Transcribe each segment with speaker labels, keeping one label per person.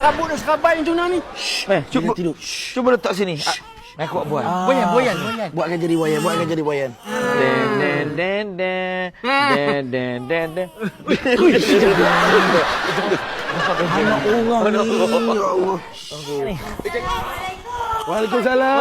Speaker 1: Cabut dah serabai macam mana ni?
Speaker 2: Cuba
Speaker 3: tidur.
Speaker 2: cuba letak sini. Aku buat.
Speaker 1: Boyan.
Speaker 3: Buatkan jadi wayan.
Speaker 2: Den.
Speaker 3: Anak orang ni. Ya Allah. Waalaikumsalam.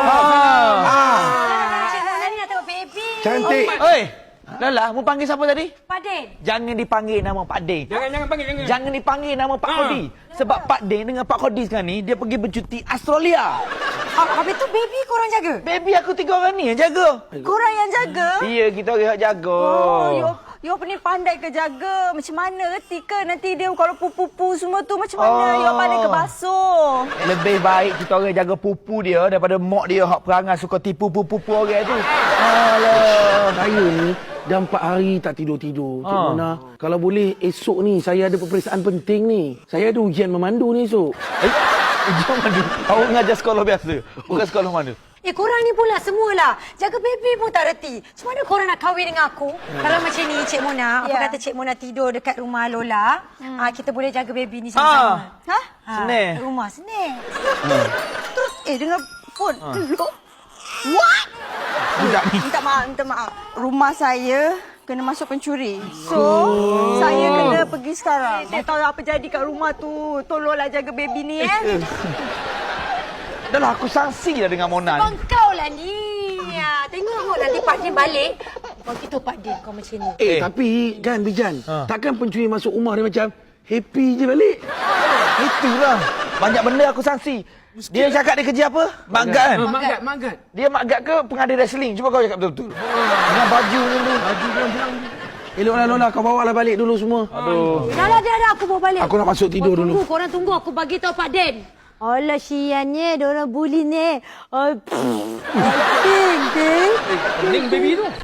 Speaker 4: Cik Nona ni nak tengok baby.
Speaker 3: Cantik.
Speaker 2: Oi, Lala, mu panggil siapa tadi?
Speaker 4: Pak Din.
Speaker 2: Jangan dipanggil nama Pak Din.
Speaker 1: Jangan panggil.
Speaker 2: Jangan dipanggil nama Pak Kodi. Sebab Pak Din dengan Pak Kodi sekarang ni, dia pergi bercuti Australia.
Speaker 4: Habis tu baby korang jaga?
Speaker 2: Baby aku 3 orang ni yang jaga.
Speaker 4: Korang yang jaga?
Speaker 2: Iya, kita orang yang jaga.
Speaker 4: You ni pandai ke jaga? Macam mana reti ke? Nanti dia kalau pupu semua tu macam mana? You pandai ke basuh?
Speaker 2: Lebih baik kita orang jaga pupu dia daripada mak dia hak perangai suka tipu pupu orang tu.
Speaker 3: Alah. Saya ni dah 4 hari tak tidur-tidur. Cik Mona, kalau boleh esok ni saya ada peperiksaan penting ni. Saya ada ujian memandu ni esok.
Speaker 2: Ujian mandu. Awak ngajar sekolah biasa. Bukan sekolah mana?
Speaker 4: Korang ni pula semualah. Jaga baby pun tak reti. Macam mana korang nak kahwin dengan aku? Kalau macam ni, Cik Mona, apa kata Cik Mona tidur dekat rumah Lola, kita boleh jaga baby ni sama-sama.
Speaker 2: Senang.
Speaker 4: Rumah senang. Terus, dengan phone. What? Minta maaf. Rumah saya kena masuk pencuri. So, saya kena pergi sekarang. Saya tahu apa jadi kat rumah tu. Tolonglah jaga baby ni,
Speaker 2: Dah lah, aku sangsi dah dengan Mona ni.
Speaker 4: Kau lah ni. Tengok nanti Pak Din balik. Bagi tahu Pak Din kau macam ni.
Speaker 3: Tapi kan Bijan, takkan pencuri masuk rumah dia macam happy je balik.
Speaker 2: Itulah. Banyak benda aku sangsi. Dia cakap dia kerja apa? Magat kan?
Speaker 1: Magat.
Speaker 2: Dia magat ke pengadil wrestling? Cuba kau cakap betul-betul. Dengan baju ni tu.
Speaker 1: Baju dia bilang.
Speaker 3: Eloklah Lola, kau bawa lah balik dulu semua.
Speaker 2: Aduh.
Speaker 4: Dah, aku bawa balik.
Speaker 3: Aku nak masuk tidur dulu.
Speaker 4: Korang tunggu, aku bagi tahu Pak Din. Alah, siannya, diorang bully ni. Ting.
Speaker 1: Pening baby tu.